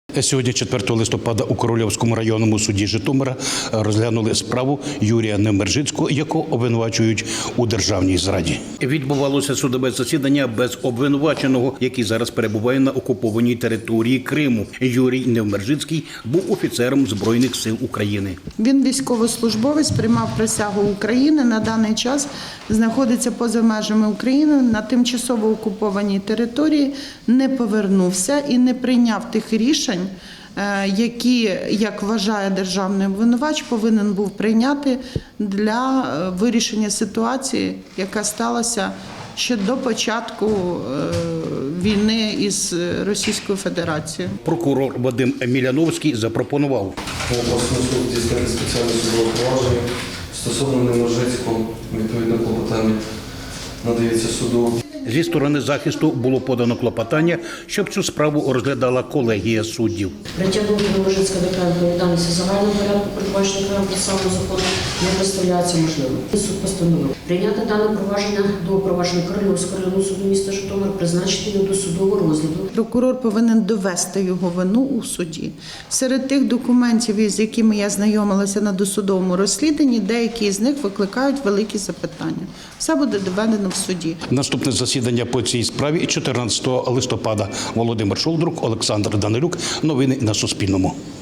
Сьогодні, 4 листопада, у Корольовському районному суді Житомира розглянули справу Юрія Невмержицького, якого обвинувачують у державній зраді. Відбувалося судове засідання без обвинуваченого, який зараз перебуває на окупованій території Криму. Юрій Невмержицький був офіцером Збройних сил України. Він військовослужбовець, приймав присягу України, на даний час знаходиться поза межами України, на тимчасово окупованій території, не повернувся і не прийняв тих рішень, які, як вважає державний обвинувач, повинен був прийняти для вирішення ситуації, яка сталася ще до початку війни із Російською Федерацією. Прокурор Вадим Міляновський запропонував Обласний суд здійснити спеціальне судове провадження стосовно Невмержицького, відповідно клопотання надається суду. Зі сторони захисту було подано клопотання, щоб цю справу розглядала колегія суддів. Притягнути Невмержицького до кримінальної відповідальності загального порядку, передбаченого окремим процесуальним законом, не представляється можливим. Суд постановив прийняти дане провадження до провадження Корольовського районного суду міста Житомир, призначити його до судового розгляду. Прокурор повинен довести його вину у суді. Серед тих документів, із якими я знайомилася на досудовому розслідуванні, деякі з них викликають великі запитання. Все буде доведено в суді. Наступне засідання по цій справі 14 листопада. Володимир Шолдрук, Олександр Данилюк. Новини на Суспільному.